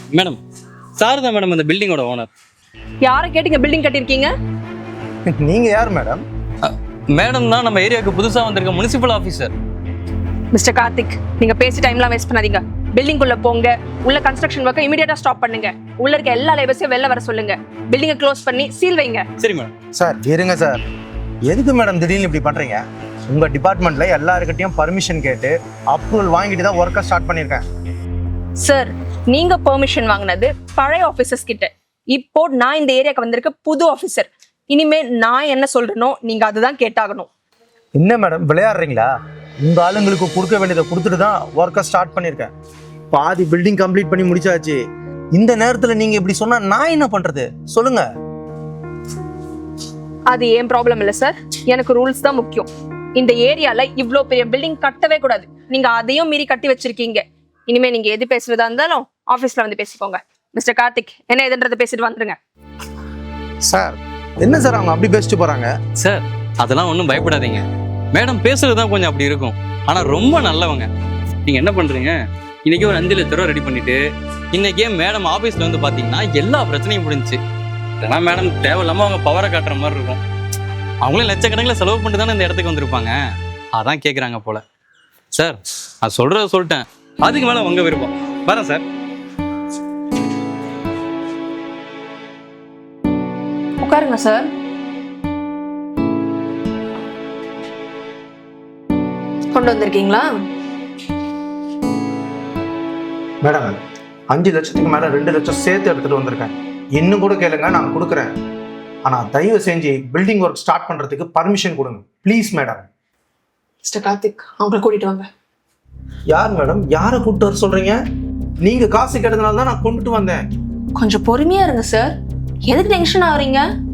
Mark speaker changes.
Speaker 1: Madam sir தான் madam அந்த பில்டிங்கோட owner.
Speaker 2: யாரை கேட்டீங்க பில்டிங் கட்டியிருக்கீங்க?
Speaker 3: நீங்க யார் மேடம்?
Speaker 1: மேடம் தான் நம்ம ஏரியாவுக்கு புதுசா வந்திருக்க முனிசிபல் ஆஃபீஸர்.
Speaker 2: மிஸ்டர் கார்த்திக், நீங்க பேசி டைம்லாம் வேஸ்ட் பண்ணாதீங்க. பில்டிங் குள்ள போங்க. உள்ள கன்ஸ்ட்ரக்ஷன் ஒர்க்கை இமிடியேட்டா ஸ்டாப் பண்ணுங்க. உள்ள இருக்க எல்லா லேபர்ஸையும் வெளில வர சொல்லுங்க. பில்டிங்கை க்ளோஸ் பண்ணி சீல் வைங்க.
Speaker 1: சரி மேடம்.
Speaker 3: சார் இருங்க சார், எதுக்கு மேடம் திடீர்னு இப்படி பண்றீங்க? உங்க டிபார்ட்மெண்ட்ல எல்லாருக்கிட்டையும் பர்மிஷன் கேட்டு அப்ரூவல் வாங்கிட்டு தான் ஒர்க்கை ஸ்டார்ட் பண்ணியிருக்கேன்.
Speaker 2: சார், நீங்க பெர்மிஷன் வாங்கினது பழைய ஆபீசர்ஸ் கிட்ட. இப்போ நான் இந்த ஏரியாக்கு வந்திருக்க புது ஆபீசர். இனிமே நான் என்ன சொல்றேனோ நீங்க அதுதான் கேட்டாகணும்.
Speaker 3: என்ன மேடம் விளையாடுறீங்களா? உங்க ஆளுங்களுக்கு கொடுக்க வேண்டியதை கொடுத்துட்டு தான் ஒர்க்கை ஸ்டார்ட் பண்ணியிருக்கேன். பாதி பில்டிங் கம்ப்ளீட் பண்ணி முடிச்சாச்சு. இந்த நேரத்துல நீங்க இப்படி சொன்னா நான் என்ன பண்றது சொல்லுங்க?
Speaker 2: அது ஏன் ப்ராப்ளம் இல்ல சார், எனக்கு ரூல்ஸ் தான் முக்கியம். இந்த ஏரியால இவ்ளோ பெரிய பில்டிங் கட்டவே கூடாது. நீங்க அதையும் மீறி கட்டி வச்சிருக்கீங்க. இனிமே நீங்க எது பேசுறதா இருந்தாலும் ஆபீஸ்ல வந்து பேசிக்கோங்க. மிஸ்டர் கார்த்திக், என்ன எதுன்றதை பேசிட்டு வந்துருங்க.
Speaker 3: சார் என்ன சார் அவங்க அப்படி பேசிட்டு போறாங்க?
Speaker 1: சார் அதெல்லாம் ஒன்றும் பயப்படாதீங்க. மேடம் பேசுறது தான் கொஞ்சம் அப்படி இருக்கும், ஆனா ரொம்ப நல்லவங்க. நீங்க என்ன பண்றீங்க, இன்னைக்கு ஒரு 5 லட்ச ரூபா ரெடி பண்ணிட்டு இன்னைக்கே மேடம் ஆபீஸ்ல வந்து பாத்தீங்கன்னா எல்லா பிரச்சனையும் முடிஞ்சுச்சு. ஏன்னா மேடம் தேவையில்லாம அவங்க பவரை காட்டுற மாதிரி இருக்கும். அவங்களே லட்சக்கணக்கில் செலவு பண்ணிட்டு தானே இந்த இடத்துக்கு வந்திருப்பாங்க. அதான் கேட்குறாங்க போல. சார் அது சொல்றத சொல்லிட்டேன், அதுக்கு மேல உங்க விருப்பம். வரேன் சார்.
Speaker 2: உட்காருங்க சார். கொண்டு வந்திருக்கீங்களா?
Speaker 3: மேடம் 5 லட்சத்துக்கு மேல 2 லட்சம் சேர்த்து எடுத்துட்டு வந்திருக்கேன். இன்னும் கூட கேளுங்க, நான் கொடுக்குறேன். ஆனா தயவு செஞ்சு பில்டிங் ஒர்க் ஸ்டார்ட் பண்றதுக்கு பர்மிஷன் கொடுங்க ப்ளீஸ் மேடம்.
Speaker 2: மிஸ்டர் கார்த்திக், அவங்களை கூட்டிட்டு வாங்க.
Speaker 3: யார் மேடம்? யாரை கூப்பிட்டு வர சொல்றீங்க? நீங்க காசு கேட்டதுனால தான் நான் கொண்டுட்டு வந்தேன்.
Speaker 2: கொஞ்சம் பொறுமையா இருங்க சார். எதுக்கு டென்ஷன் ஆகுறீங்க?